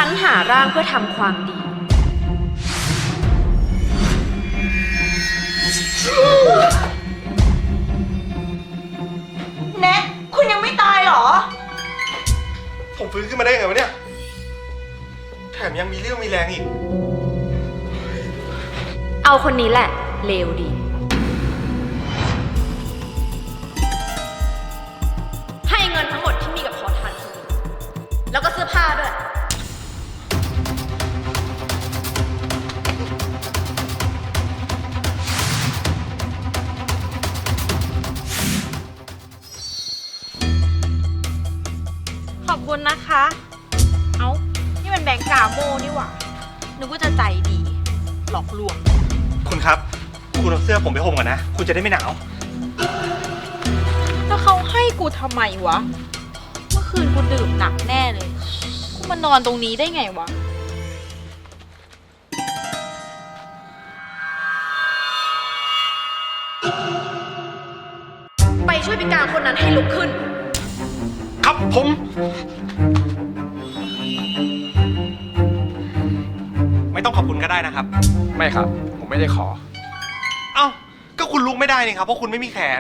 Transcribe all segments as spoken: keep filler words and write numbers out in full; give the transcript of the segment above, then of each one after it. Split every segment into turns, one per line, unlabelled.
รหาร่างเพื่อทำความดี
เน็ตคุณยังไม่ตายเหรอ
ผมฟื้นขึ้นมาได้ไงวะเนี่ยแถมยังมีเรี่ยวมีแรงอีก
เอาคนนี้แหละเลวดีให้เงินทั้งหมดที่มีกับขอทานคนนี้แล้วก็เสื้อผ้าด้วย
ขอบคุณนะคะ เอ้า นี่มันแบงก์กาโมนี่หว่า นึกว่าจะใจดี หลอกลวง
คุณครับคุณเอาเสื้อผมไปห่มก่อนนะคุณจะได้ไม่หนาว
แล้วเขาให้กูทำไมวะ เมื่อคืนกูดื่มหนักแน่เลย กูมานอนตรงนี้ได้ไงวะ
ไปช่วยพิการคนนั้นให้ลุกขึ้น
ครับผมไม่ต้องขอบคุณก็ได้นะครับ
ไม่ครับ ผมไม่ได้ขอ
เอ้าก็คุณลุกไม่ได้นี่ครับเพราะคุณไม่มีแขน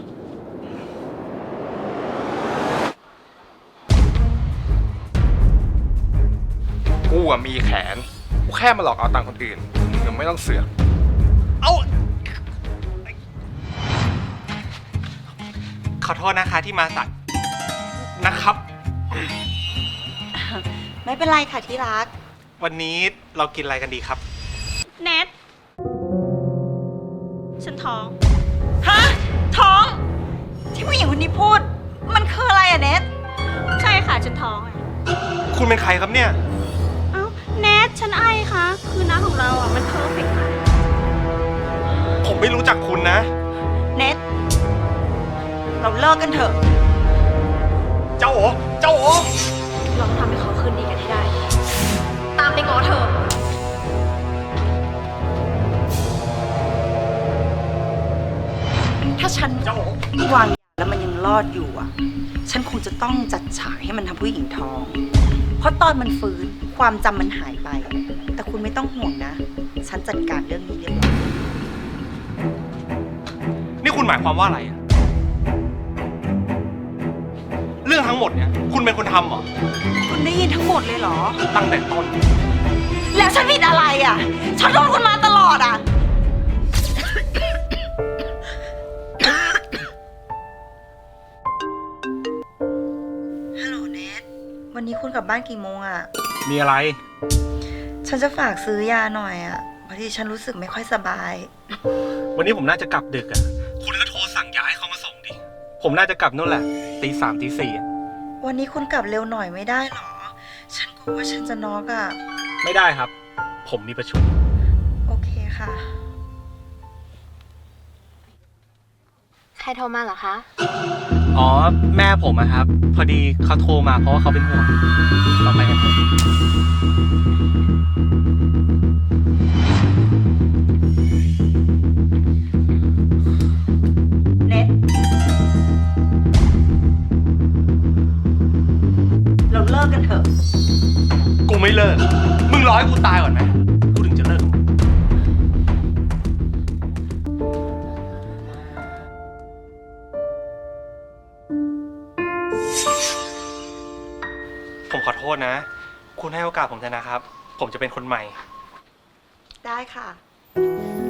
กูอะมีแขน กูแค่มาหลอกเอาตังค์คนอื่นมึงยังไม่ต้องเสือก
เอ้าขอโทษนะคะที่มาสัตว์นะครับ
ไม่เป็นไรค่ะที่รัก
วันนี้เรากินอะไรกันดีครับ
เน็ต ฉันท้อง
ฮะท้องที่ผู้หญิงคนนี้พูดมันคืออะไรอะเน็ต
ใช่ค่ะ ฉันท้องอ่ะ
คุณเป็นใครครับเนี่ย
เอ้า เน็ต ฉันไอคะคือน้าของเราอ่ะ มันเพอร์เฟกต์มาก
ผมไม่รู้จักคุณนะ
เน็ตเราเลิกกันเถอะ
เจ้าโอเจ้าโอ
เราต้องทำให้เขาคืนดีกันให้ได้ ตามไปง้อเธอ
ถ้าฉัน
เจ้าโอ
วางยาแล้วมันยังรอดอยู่อ่ะฉันคงจะต้องจัดฉากให้มันทำผู้หญิงท้อง เพราะตอนมันฟื้นความจำมันหายไป แต่คุณไม่ต้องห่วงนะฉันจัดการเรื่องนี้เรียบร้อย
นี่คุณหมายความว่าอะไรอะเรื่องทั้งหมดเนี่ยคุณเป็นคนทำเหรอ
คุณได้ยินทั้งหมดเลยเหรอ
ตั้งแต่ต้น
แล้วฉันผิดอะไรอ่ะฉันโดนคุณมาตลอดอ่ะฮัลโหลเนทวันนี้คุณกลับบ้านกี่โมงอ่ะ
มีอะไร
ฉันจะฝากซื้อยาหน่อยอ่ะพอดีฉันรู้สึกไม่ค่อยสบาย
วันนี้ผมน่าจะกลับดึกอ่ะคุณก็โทรสั่งยาให้เขามาส่งดิผมน่าจะกลับนู่นแหละตีสามตีสี่อ่ะ
วันนี้คุณกลับเร็วหน่อยไม่ได้หรอฉันกลัวว่าฉันจะน็อกอ่ะ
ไม่ได้ครับผมมีประชุม
โอเคค่ะ
ใครโทรมาเหรอคะ
อ๋อแม่ผมอะครับพอดีเขาโทรมาเพราะว่าเขาเป็นห่วงเราไปกันเถอะ
เน็ตเราเลิกกันเถอะ
กูไม่เลิกมึงรอให้กูตายก่อนไหมกูถึงจะเลิกผมขอโทษนะคุณให้โอกาสผมเถอะนะครับผมจะเป็นคนใหม่
ได้ค่ะ